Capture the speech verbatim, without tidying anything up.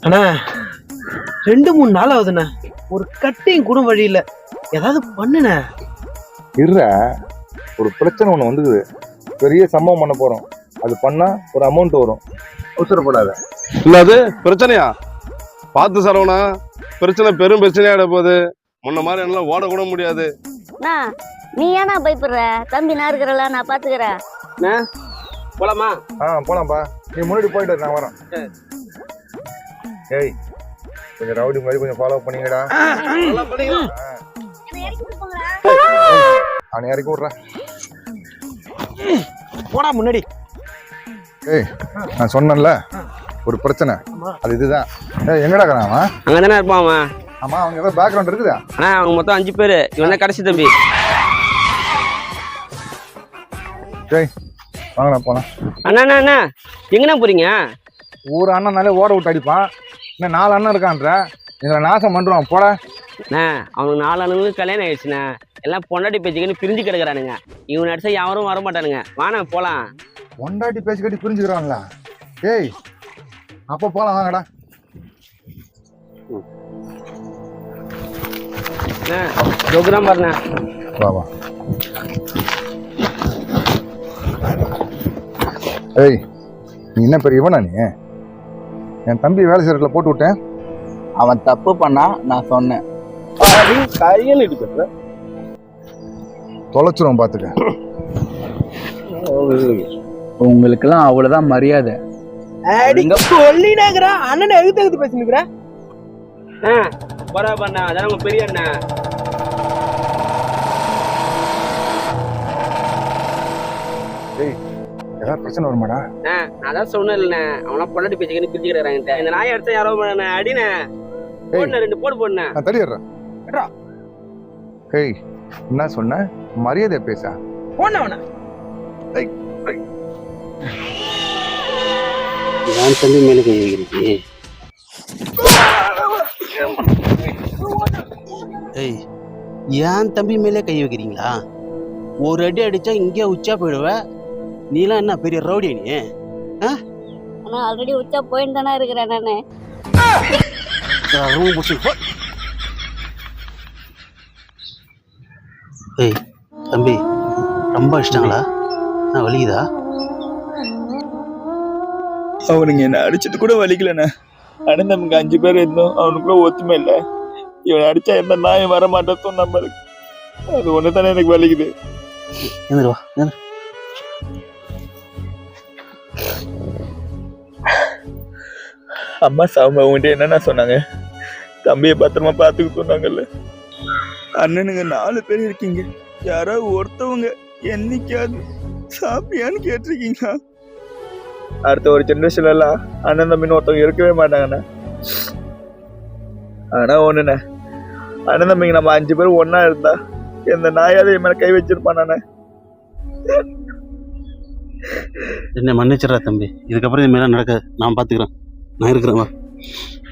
அண்ணா ரெண்டு மூணு நாள் ஆகுதுண்ணே, ஒரு கட்டிங் கூட வழியில ஏதாவது பண்ணுண்ணே. இருற, ஒரு பிரச்சனை ஒண்ணு வந்துக்குது, பெரிய சம்பவம் பண்ண போறோம். அது பண்ணா ஒரு அமௌண்ட் வரும், அவசரப்படாத. இல்ல அது பிரச்சனையா? பார்த்து சரவணா, பிரச்சனை பெரும் பிரச்சனையாட போகுது. முன்ன மாதிரி என்னால ஓட கூட முடியாது. நீ ஏன்னா பயப்படுற? தம்பி நான் இருக்கிறல, நான் பாத்துக்கிறேன். போலாமா? ஆ போலாம்ப்பா, நீ முன்னாடி போயிட்டு நான் வரேன். ஏய், கொஞ்சம் ரவுடி மாதிரி கொஞ்சம் ஃபாலோ பண்ணீங்கடா. அவனை இறக்கி விட்றேன். போடா முன்னாடி. ஏய், நான் சொன்னேன்ல ஒரு பிரச்சனை, அது இதுதான். ஏய், எங்கடா இருக்கிறான் அவன்? அங்கே தானே இருப்பான் அவன். ஆமா, அவங்க ஏதாவது பேக்ரவுண்ட் இருக்குதா? அண்ணா அவங்க மொத்தம் அஞ்சு பேர், இவன் தான் கடைசி தம்பி. ஏய், வாங்கடா போலாம். அண்ணா அண்ணா அண்ணா எங்கண்ணா போறீங்க? ஒரு அண்ணனாலே ஓட விட்டு அடிப்பான், இன்னும் நாலு அண்ணன் இருக்கான்ற, எங்களை நாசம் பண்ணுவான். போட. அண்ணா அவனுக்கு நாலு அண்ணனுக்கு கல்யாணம் ஆயிடுச்சுண்ணா, எல்லாம் பொண்டாட்டி பேச்சுக்குன்னு பிரிஞ்சு கிடக்குறானுங்க. இவன் அடிச்சா யாரும் வர மாட்டானுங்க. வாண்ணா போலாம். பொண்டாட்டி பேச்சு கட்டி பிரிஞ்சுக்கிறான்ல? ஏய், அப்போ போலாம், வாங்கடா. ப்ரோக்ராம் பாருண்ணா. வா வா. ஏய், நீ என்ன பெரிய இவனா? நீ என் தம்பி வேலை செய்யறதுல போட்டு விட்டேன். அவன் தப்பு பண்ணா நான் சொன்னேன். கையில் எடுக்க தொலைச்சிரும் பாத்துக்க. உங்களுக்கெல்லாம் அவ்வளவுதான் மரியாதை. சொல்லினாங்கிறா அண்ணனை எழுத்து எழுத்து பேசினுக்குற. போறா பண்ணா, அதான் உங்க பெரிய அண்ணா. ஏய், ஏதாவது பிரச்சனை வருமாடா? நான் தான் சொன்னேன் இல்லண்ணே, அவனா பொண்டாட்டி பேச்சுக்குன்னு பிரிச்சு கிடக்குறாங்க. இந்த நாயை அடிச்சா யாரோ அடினே போடுன, ரெண்டு போடு போடுனேன். நான் தடிடுறேன். ஏய், என்ன சொன்ன? மரியாதை பேச போனவன. என் தம்பி மேல கை வைக்கிறீங்க. ஏய், என் தம்பி மேலே கை வைக்கிறீங்களா? ஒரு அடி அடிச்சா இங்கே உச்சா போயிடுவ. நீலாம் என்ன பெரிய ரவுடி நீ? ஆனா ஆல்ரெடி உச்சா போயிட்டு தானே இருக்கிறேன் நானு. ஏய் தம்பி, ரொம்ப அடிச்சிட்டாங்களா? நான் வலிக்குதா? அவனுங்க என்ன அடிச்சது கூட வலிக்கலண்ணே. ஆனால் நமக்கு அஞ்சு பேர் இருந்தோம், அவனுக்குள்ள ஒத்துமை இல்லை. இவன் அடிச்சா எந்த நாயும் வர மாட்டேன் நம்மளுக்கு. அது ஒன்று தானே எனக்கு வலிக்குது. எழுந்துருவா. அம்மா சாமி அவங்ககிட்ட என்னென்ன சொன்னாங்க? தம்பியை பத்திரமா பார்த்துக்க சொன்னாங்கல்ல. அண்ணனுங்க நாலு பேர் இருக்கீங்க, யாராவது ஒருத்தவங்க என்னைக்காவது சாப்பியான்னு கேட்டிருக்கீங்களா? அடுத்த ஒரு ஜென்ரேஷன்ல எல்லாம் அண்ணன் தம்பின்னு ஒருத்தவங்க இருக்கவே மாட்டாங்கண்ணா. ஆனா ஒண்ணுண்ணே, அண்ணன் தம்பிங்க நம்ம அஞ்சு பேரும் ஒன்னா இருந்தா எந்த நாயாவது என் மேல கை வச்சிருப்பானே. என்ன மன்னிச்சிடறா தம்பி, இதுக்கப்புறம் இது மேலே நடக்காது. நான் பார்த்துக்கிறேன். நான் இருக்கிறேன்.